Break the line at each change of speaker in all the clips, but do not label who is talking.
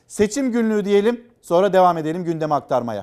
Seçim günlüğü diyelim, sonra devam edelim gündemi aktarmaya.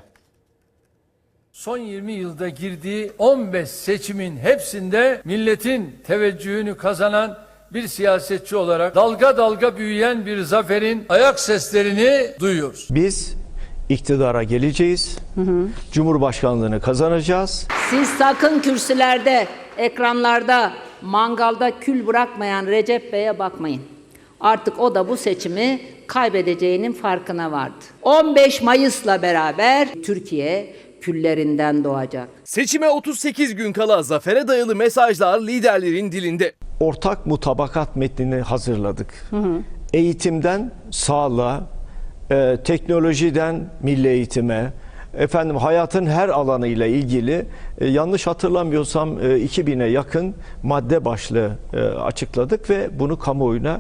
Son 20 yılda girdiği 15 seçimin hepsinde milletin teveccühünü kazanan bir siyasetçi olarak dalga dalga büyüyen bir zaferin ayak seslerini duyuyoruz.
Biz iktidara geleceğiz, Cumhurbaşkanlığını kazanacağız.
Siz sakın kürsülerde, ekranlarda, mangalda kül bırakmayan Recep Bey'e bakmayın. Artık o da bu seçimi kaybedeceğinin farkına vardı. 15 Mayıs'la beraber Türkiye küllerinden doğacak.
Seçime 38 gün kala zafere dayalı mesajlar liderlerin dilinde.
Ortak mutabakat metnini hazırladık. Eğitimden sağlığa, teknolojiden milli eğitime, hayatın her alanıyla ilgili yanlış hatırlamıyorsam 2000'e yakın madde başlığı açıkladık ve bunu kamuoyuna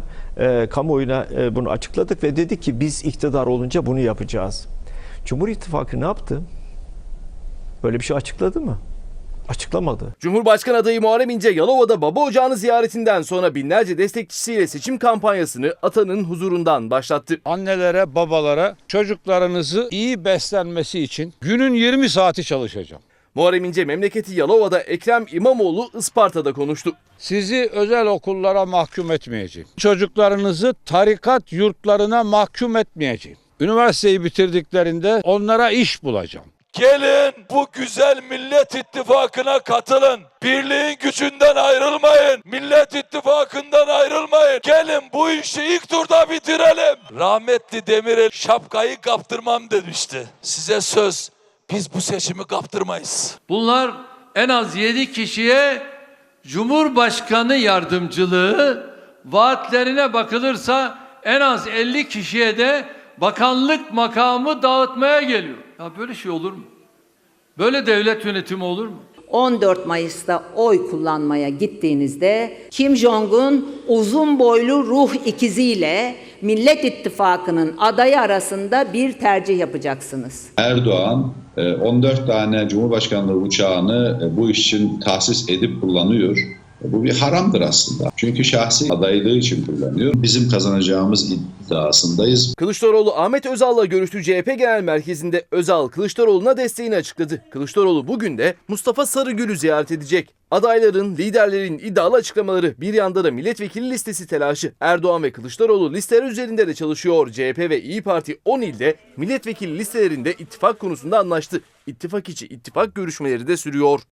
bunu açıkladık ve dedik ki biz iktidar olunca bunu yapacağız. Cumhur İttifakı ne yaptı? Böyle bir şey açıkladı mı? Açıklamadı.
Cumhurbaşkanı adayı Muharrem İnce Yalova'da baba ocağını ziyaretinden sonra binlerce destekçisiyle seçim kampanyasını atanın huzurundan başlattı.
Annelere, babalara çocuklarınızı iyi beslenmesi için günün 20 saati çalışacağım.
Muharrem İnce memleketi Yalova'da Ekrem İmamoğlu Isparta'da konuştu.
Sizi özel okullara mahkum etmeyeceğim. Çocuklarınızı tarikat yurtlarına mahkum etmeyeceğim. Üniversiteyi bitirdiklerinde onlara iş bulacağım.
Gelin bu güzel Millet İttifakı'na katılın. Birliğin gücünden ayrılmayın. Millet İttifakı'ndan ayrılmayın. Gelin bu işi ilk turda bitirelim. Rahmetli Demirel şapkayı kaptırmam demişti. Size söz, biz bu seçimi kaptırmayız.
Bunlar en az 7 kişiye Cumhurbaşkanı yardımcılığı, vaatlerine bakılırsa en az 50 kişiye de bakanlık makamı dağıtmaya geliyor. Ya böyle şey olur mu? Böyle devlet yönetimi olur mu?
14 Mayıs'ta oy kullanmaya gittiğinizde Kim Jong-un uzun boylu ruh ikiziyle Millet İttifakı'nın adayı arasında bir tercih yapacaksınız.
Erdoğan 14 tane Cumhurbaşkanlığı uçağını bu iş için tahsis edip kullanıyor. Bu bir haramdır aslında. Çünkü şahsi adaylığı için kullanıyor. Bizim kazanacağımız iddiasındayız.
Kılıçdaroğlu Ahmet Özal'la görüştü. CHP Genel Merkezi'nde Özal Kılıçdaroğlu'na desteğini açıkladı. Kılıçdaroğlu bugün de Mustafa Sarıgül'ü ziyaret edecek. Adayların, liderlerin iddialı açıklamaları, bir yanda da milletvekili listesi telaşı. Erdoğan ve Kılıçdaroğlu listeler üzerinde de çalışıyor. CHP ve İyi Parti 10 ilde milletvekili listelerinde ittifak konusunda anlaştı. İttifak içi ittifak görüşmeleri de sürüyor.